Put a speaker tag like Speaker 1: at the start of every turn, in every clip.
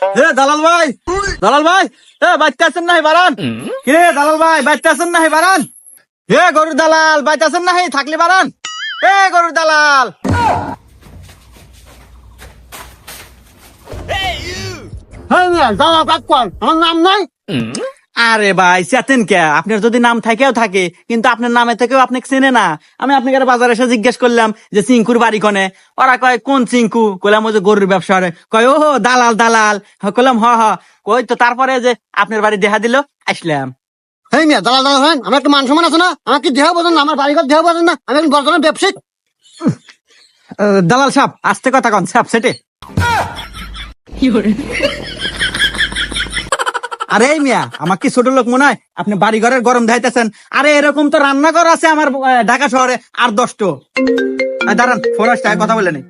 Speaker 1: দালাল ভাই, দালাল ভাই, বাচ্চা আছেন নাহি বারান? কে দালাল ভাই, বাচ্চা আছেন নাহি বারান? গরুর দালাল, বাচ্চা আছেন নাহি? থাকলে বারান। গরুর দালাল।
Speaker 2: আমার নাম নাই।
Speaker 1: আরে ভাই চেতেন কে? আপনার যদি নাম থাকেও থাকে, কিন্তু আপনার নামে থেকেও আপনি চেনে না। আমি আপনাকে বাজারে এসে জিজ্ঞেস করলাম যে চিঙ্কুর বাড়ি কনে। ওরা কয় কোন চিঙ্কু? কইলাম ওই যে গরুর ব্যবসা করে। কয় ও দালাল দালাল। কইলাম হ হ। কই তো তারপরে যে আপনার বাড়ি দেখা দিল, আসলাম।
Speaker 2: এই মিয়া দালাল দালাল হয়, আমার একটু মান সম্মান আছে না? আমার কি দেহ বোঝেন না? আমার বাড়িঘর দেহ বোঝেন না? আমি একজন বর্তমান ব্যবসায়িক।
Speaker 1: দালাল সাহেব আস্তে কথা কন, সাহেব সেটে। আরে মিয়া, আমার কি ছোট লোক মনে হয়? আপনি বাড়ি ঘরের গরম ধাইতেছেন। আরে এরকম তো রান্নাঘর আছে আমার ঢাকা শহরে আর 10টো। দাঁড়ান, ফোন আসছে, কথা বলে নেই।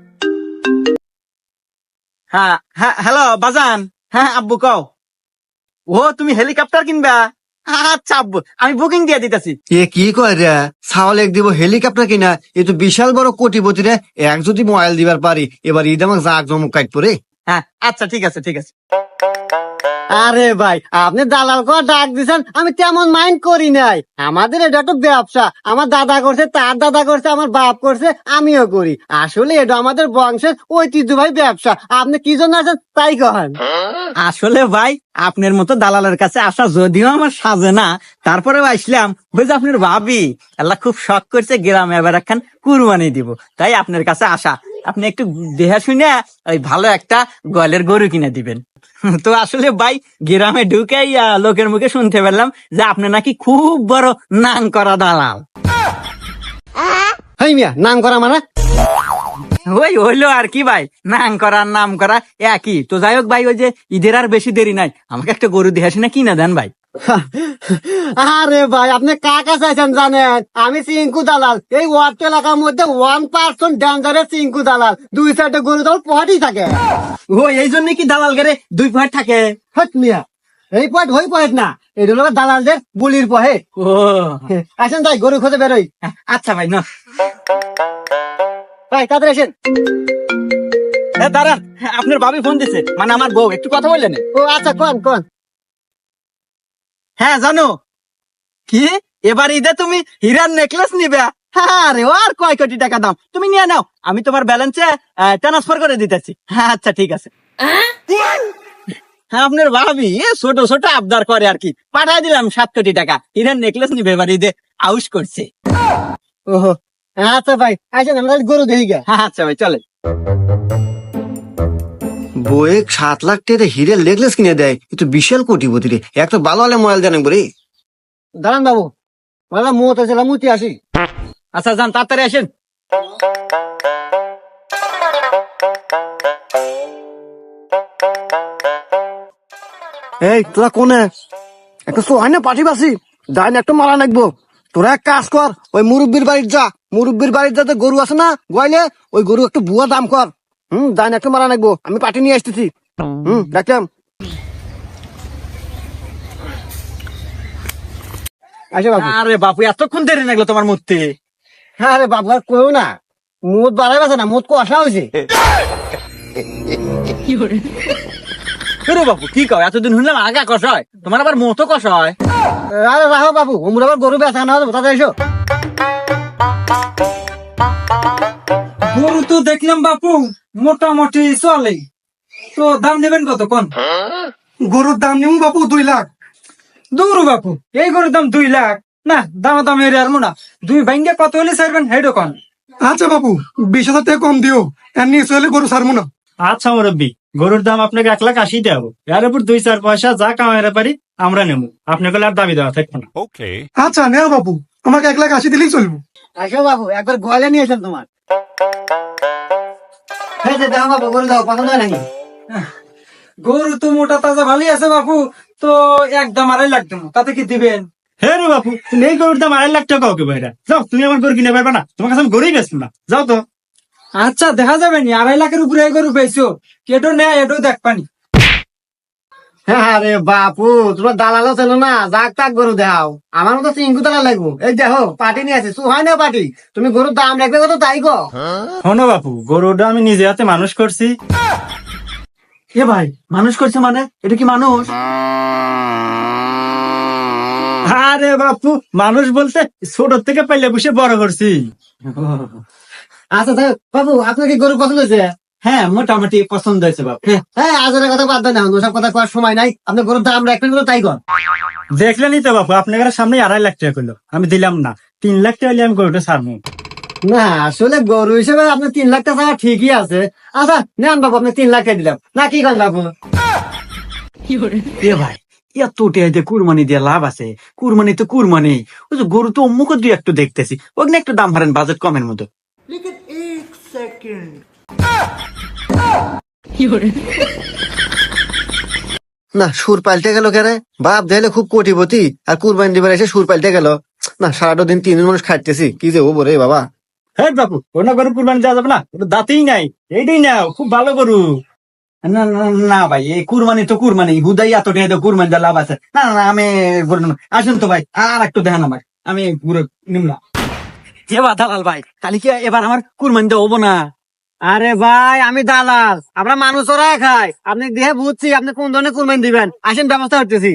Speaker 1: হ্যাঁ হ্যাঁ, হ্যালো বাজান। হ্যাঁ আব্বু কও। ও তুমি হেলিকপ্টার কিনবা? আচ্ছা আব্বু, আমি বুকিং দিয়ে দিতেছি।
Speaker 3: এ কি কয় রে? ছাওয়াল এক দিব হেলিকপ্টার কিনা, এ তো বিশাল বড় কোটিপতি রে। এক যদি মোবাইল দিবার পারি, এবার ঈদ আমাকে জাক জমক কাট পরে।
Speaker 1: হ্যাঁ আচ্ছা ঠিক আছে ঠিক আছে।
Speaker 2: আরে ভাই, আপনি দালাল করে ডাক দিছেন, আমি তেমন মাইন্ড করি নাই। আমাদের এটা তো ব্যবসা। আমার দাদা করছে, তার দাদা করছে, আমার বাপ করছে, আমিও করি। আসলে এটা আমাদের বংশের ঐতিহ্যবাহী ব্যবসা। আপনি কি জন্য আছেন তাই কহেন।
Speaker 1: আসলে ভাই আপনার মতো দালালের কাছে আসা যদিও আমার সাজে না, তারপরেও আসলাম। বুঝে আপনার ভাবি আল্লাহ খুব শখ করছে গ্রামে এবার একখান কুরবানি দিব, তাই আপনার কাছে আসা। আপনি একটু দেহা শুনে ওই ভালো একটা গোয়ালের গরু কিনে দিবেন। তো আসলে ভাই গ্রামে ঢুকেই লোকের মুখে শুনতে পেলাম যে আপনি নাকি খুব বড় নাং করা দালাল।
Speaker 2: হেই মিয়া, নাম করা মানে?
Speaker 1: ওই হইলো আর কি ভাই, নাম করা নাম করা একই তো। যাই হোক ভাই, ওই যে ঈদের আর বেশি দেরি নাই, আমাকে একটা গরু দেহা শুনে কিনে দেন ভাই।
Speaker 2: আরে ভাই, আপনি কাকা চাইছেন জানেন? আমি চিঙ্কু দালাল। এই ওয়ার্ড এলাকার মধ্যে 1% ডেঞ্জারের চিঙ্কু দালাল। 2-4টা গরু দল পহাটি থাকে।
Speaker 1: ও এই জন্য কি দালাল গেরে 2 পয়েন্ট থাকে?
Speaker 2: হট মিয়া, এই পয়েন্ট ওই পয়েন্ট না, এটা হলো দালালদের বুলির পহে।
Speaker 1: ও
Speaker 2: আসেন তাই গরু খোঁজে বেরোই।
Speaker 1: আচ্ছা ভাই না
Speaker 2: ভাই তাদের আসেন।
Speaker 1: দাঁড়ান, আপনার ভাবি ফোন দিছে, মানে আমার বউ, একটু কথা বললেন।
Speaker 2: ও আচ্ছা, কোন কোন।
Speaker 1: হ্যাঁ জানো কি, এবার ঈদে তুমি হীরার নেকলেস নিবে? আরে ও আর কয় কোটি টাকা দাম, তুমি নিয়ে নাও, আমি তোমার ব্যালেন্সে ট্রান্সফার করে দিতেছি। হ্যাঁ আচ্ছা ঠিক আছে। হ্যাঁ আপনার ভাবি ছোট ছোট আবদার করে আর কি, পাঠাই দিলাম 7 কোটি টাকা। হীরার নেকলেস নিবে এবার ঈদে, আউশ করছে।
Speaker 2: ওহো আচ্ছা ভাই, আসেন আমরা গরু দেখি গা।
Speaker 1: হ্যাঁ আচ্ছা ভাই চলে।
Speaker 3: বয়ে 7 লাখ টাকা হিরের নেকলেস কিনে দেয়, এ তো বিশাল কোটিপতি রে। এক তো ভালো হলে মোবাইল জানেন বলে।
Speaker 2: দাঁড়ান বাবু, মানে মুহূর্তে ছিলাম, মুতি আসি।
Speaker 1: আচ্ছা যান, তাড়াতাড়ি আসেন।
Speaker 2: এই তোরা কোনে? একটা সোহাই না পাঠি বাসি, ডাইন একটা মারা নাকবো। তোরা এক কাজ কর, ওই মুরব্বীর বাড়ির যা। মুরব্বীর বাড়ির যাতে গরু আছে না গোয়ালে, ওই গরু একটু বুয়া দাম কর। ডাইন একটা মারা নাকবো, আমি পাঠি নিয়ে আসতেছি। দেখলাম আচ্ছা বাবু।
Speaker 1: আরে বাপু এতক্ষণ দেরি লাগলো তোমার মূর্তি?
Speaker 2: হ্যাঁ রে বাবু, আর কেউ না, মুদ বাড়াই বাসে না, মুদ কষা হয়েছে।
Speaker 1: আরে বাপু কি কও, এতদিন শুনলাম আগা কষা হয়, তোমার আবার মতো কষা হয়?
Speaker 2: আরে রাখো বাবু, ওমরা আবার গরু বেচা না হবে, তাতে এসো।
Speaker 4: গরু তো দেখলাম বাপু মোটামুটি চলে, তো দাম নেবেন কত কোন?
Speaker 2: গরুর দাম নিম বাবু 2 লাখ।
Speaker 4: দূর বাপু, এই গরুর দাম 2 লাখ? না, দাম দাম এর আর মোনা 2 ভাঙ্গে কত হলে ছাড়বেন হেডো কোন?
Speaker 5: আচ্ছা বাবু, 20,000 টাকা কম দিও, এর নিয়ে চলে গরু ছাড়বো না।
Speaker 6: আচ্ছা মুরব্বী, গরুর দাম আপনাকে 1,80,000 দেবো, এর উপর 2-4 পয়সা যা কামাইতে পারি আমরা নেবো, আপনাকে আর দাবি দেওয়া থাকবো না।
Speaker 5: আচ্ছা নেও বাবু, আমাকে 1,80,000 দিলেই চলবো।
Speaker 2: আসো বাবু, একবার গোয়ালে নিয়ে এসেন তোমার। এই যে দাও বাবু, গরু দাও, পছন্দ হয় নাকি?
Speaker 4: গরু তো মোটা তাজা ভালোই আছে বাপু, তো একদম 2.5 লাখ দেবো, তাতে কি দিবেন?
Speaker 6: হে রে বাপু, তুমি এই গরুর দাম 2.5 লাখ টাকা ওকে বাইরা যাও, তুমি আমার গরু কিনে পারবে না, তোমার কাছে আমি গরুই বেচবো না, যাও তো।
Speaker 4: আচ্ছা দেখা যাবে নি, 2.5 লাখের উপরে এই গরু পেয়েছো, কেটো নেয় এটাও দেখ পানি।
Speaker 2: হ্যাঁ রে বাপু, তোমার দালালও ছিল না, যাক তাক গরু দাও। আমার মতো চিঙ্কু দালাল লাগবো। এই দেখো পাটি নিয়ে আছে, সুহাই না পাটি। তুমি গরুর দাম রাখবে কত তাই গো।
Speaker 6: শোনো বাপু, গরুটা আমি নিজে হাতে মানুষ করছি।
Speaker 1: এ ভাই মানুষ করছে মানে এটা কি মানুষ?
Speaker 6: আরে বাপু, মানুষ বলতে ছোট থেকে পাইলে বসে বড় করছি।
Speaker 2: আচ্ছা তাই বাবু আপনার কি গরু পছন্দ হয়েছে?
Speaker 1: হ্যাঁ মোটামুটি পছন্দ হয়েছে বাপ।
Speaker 2: হ্যাঁ আজের কথা বাদ দেন না, ওসব কথা করার সময় নাই। আপনার গরুর দাম রাখবেন বলে তাই কর।
Speaker 6: দেখলেনই তো বাপু, আপনার সামনে 2.5 লাখ টাকা করলো, আমি দিলাম না। 3 লাখ টাকা হলে আমি গরুটা ছাড়বো।
Speaker 2: না আসলে গরু হিসেবে আপনার 3 লাখ টাকা ঠিকই আছে। আচ্ছা নেন বাবু, আপনি 3 লাখ টাকা দিলাম না, কি করেন বাবু?
Speaker 1: এ ভাই এত টেহাইতে কুরবানি দিয়ে লাভ আছে? কুরবানি তো কুরবানি, ওই যে গরু তো অমুক দুই একটু দেখতেছি, ওখানে একটু দাম হারেন বাজেট কমের মতো।
Speaker 3: না সুর পাল্টে গেল কেরে? বাপ দেখলে খুব কোটিপতি, আর কুরবানি দিবার এসে সুর পাল্টে গেল। না সারাটা দিন 3 মানুষ খাইতেছি, কি যে ও বলে বাবা।
Speaker 6: হ্যাঁ বাপু, অন্য গরু কুরবানি দেওয়া যাবে না, ওটা দাঁতেই নাই। এইটাই নাও, খুব ভালো গরু।
Speaker 1: না না না ভাই, এই কুরবানি তো কুরবানি, হুদাই এত টেহাইতে কুরবানি দিয়ে লাভ আছে? না না না, আমি গরু নেব না। আসুন তো ভাই, আর একটু দেখেন আমাকে, আমি গরু নিম না। এবার দালাল ভাই, তাহলে কি এবার আমার কুরবানি দেওয়া হবো না?
Speaker 2: আরে ভাই আমি দালাল, আমরা মানুষ ওরা খাই। আপনি দেখে বুঝছি আপনি কোন ধরনের কুরবানি দিবেন, আসেন ব্যবস্থা করতেছি।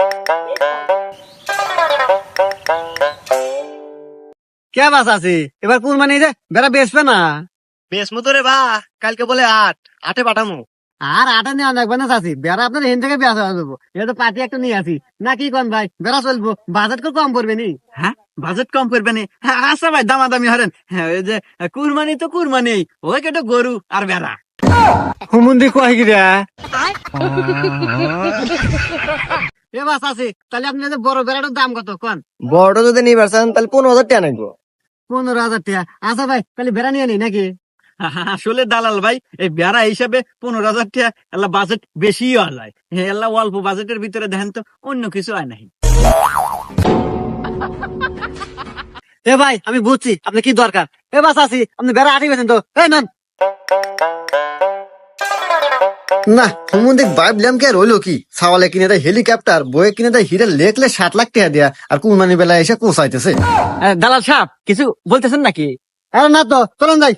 Speaker 2: কে বাস আছি এবার কুরবানি যে বেড়া বেচবে না?
Speaker 3: বেশ মতো রে বা, কালকে বলে 8 পাঠামো।
Speaker 2: আর আটা নেওয়া লাগবে না চাষি, বেড়া আপনার এখান থেকে বেচা দেবো। এটা তো পার্টি একটা নিয়ে আসি না, কি কন ভাই? বেড়া চলবো, বাজেট করে কম পড়বে নি?
Speaker 1: হ্যাঁ বাজেট কম করবে না? হ্যাঁ, আচ্ছা ভাই দামাদামি হরেন। হ্যাঁ ওই যে কুরবানি তো কুরবানি, ওই কেটে গরু আর বেড়া।
Speaker 2: হুমুন্দি কয় গিরা এ বাস আছে। তাহলে আপনি যে বড় বেড়াটার দাম কত কন?
Speaker 3: বড় যদি নিবার চান তাহলে 15,000 টাকা নাকবো।
Speaker 2: 15,000 টাকা। আচ্ছা ভাই তাহলে বেড়া নিয়ে নি নাকি?
Speaker 1: আসলে দালাল ভাই, এই বেড়া হিসাবে 15,000 টাকা এলা বাজেট বেশি হয়, এলা অল্প বাজেটের ভিতরে দেখেন তো অন্য কিছু হয় নাই।
Speaker 2: এ ভাই আমি বুঝছি আপনি কি দরকার। এ বাস আছি, আপনি বেড়া আটি বেছেন তো, এই নেন।
Speaker 3: না হুমুন্দিক ভাবলাম কি আর হইলো কি, সাওয়ালে কিনে দেয় হেলিকপ্টার, বয়ে কিনে দেয় হীরা লেখলে 7 লাখ টাকা দেয়া, আর কুরবানি বেলা এসে কোসাইতেছে।
Speaker 1: দালাল সাহেব কিছু বলতেছেন নাকি?
Speaker 2: আরে না তো, চলেন যাই।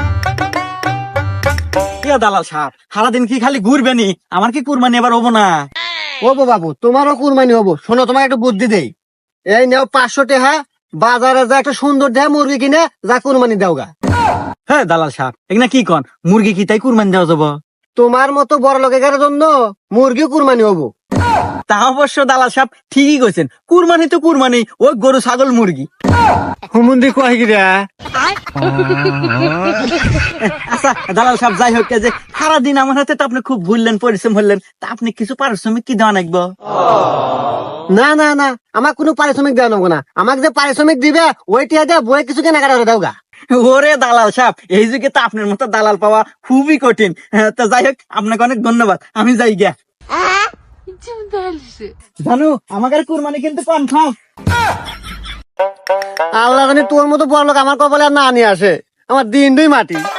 Speaker 1: দালাল সাহেব সারাদিন কি খালি ঘুরবেনি? আমার কি কুরবানি এবার হবো না?
Speaker 2: ও বাবু তোমারও কুরবানি হবো, শোনো তোমার একটা বুদ্ধি দেই। এই নেও 500 টাকা, বাজারে যা একটা সুন্দর দেহ মুরগি কিনে যা কুরবানি দাও গা।
Speaker 1: হ্যাঁ দালাল সাহেব এগুলা কি কন? মুরগি কি তাই কুরবানি দেওয়া যাবো?
Speaker 2: তোমার মতো বড় লোকের জন্য মুরগিও কুরবানি হবো।
Speaker 1: তা অবশ্য দালাল সাহেব ঠিকই কইছেন, কুরবানি তো কুরবানি, ওই গরু ছাগল মুরগি।
Speaker 2: হুমুন্দি কয় গিরা
Speaker 1: আচ্ছা দালাল সাহেব যাই হোক, যে সারাদিন আমার হাতে তো আপনি খুব ঘুরলেন, পরিশ্রম হলেন, তা আপনি কিছু পারিশ্রমিক কি দেওয়া লাগবো?
Speaker 2: না না না, আমার কোনো পারিশ্রমিক দেওয়া নেবো না। আমাকে যে পারিশ্রমিক দিবে ওইটা দিয়ে বই কিছু কেনাকাটা করে দাও গা।
Speaker 1: ওরে দালাল সাহেব, এই যুগে তো আপনার মতো দালাল পাওয়া খুবই কঠিন। তো যাই হোক আপনাকে অনেক ধন্যবাদ, আমি যাই গিয়া। জানো আমাদের কুরবানি কিন্তু কনফার্ম।
Speaker 2: আল্লাহ জানি তোর মতো বড় লোক আমার কপালে আর না নিয়ে আসে, আমার দিন দুই মাটি।